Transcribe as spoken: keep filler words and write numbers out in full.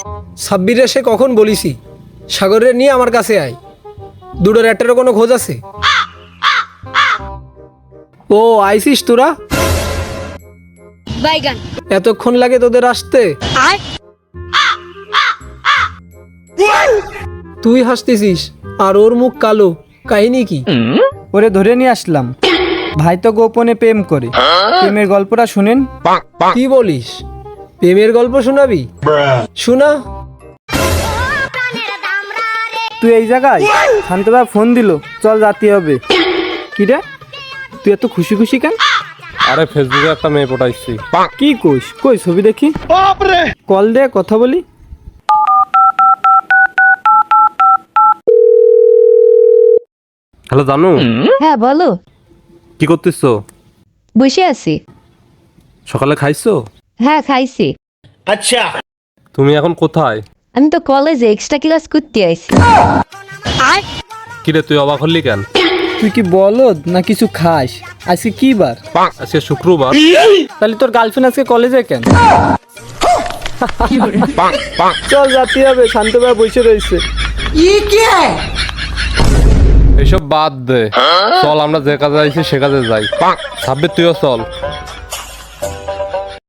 সাব্বিরে সে কখন বলিছি সাগরের নিয়ে আমার কাছে আয়। দুটোর একটারও কোনো খোঁজ আছে? ও আইসিস তোরা? বাইগান এতক্ষণ লাগে তোদের আসতে? আয় তুই হাসতেছিস আর ওর মুখ কালো, কাহিনী কি? ওরে ধরে নিয়ে আসলাম, ভাই তো গোপনে প্রেম করে। প্রেমের গল্পটা শুনেন। কি বলিস? প্রেমের গল্প শোনাবি? শোনা। তুই এই জায়গায়? শান্তদা ফোন দিল, চল যাতে হবে। কি রে, তুই এত খুশি খুশি কেন? আরে ফেসবুকে একটা মেয়ে পটাইছি। কি কইস? কই ছবি দেখি। কল দে, কথা বলি। হ্যালো জানু, হ্যাঁ বলো। কি করতেছো? বসে আছি। সকালে খাইছো? হ্যাঁ খাইছি। তুমি এখন কোথায়? আমি তো কলেজে এক্সট্রা ক্লাস করতে আইছি। আয় কিরে তুই অবাক হলি কেন? তুই কি বলদ না কিছু খাস? আজকে কি বার? আজকে শুক্রবার। তাহলে তোর গার্লফ্রেন্ড আজকে কলেজে কেন? চল যাতে হবে, শান্ত ভাই বসে রয়েছে। এইসব বাদ দে, চল আমরা যে কাজে আইছি সে কাজে যাই। সাব্বির তুইও চল।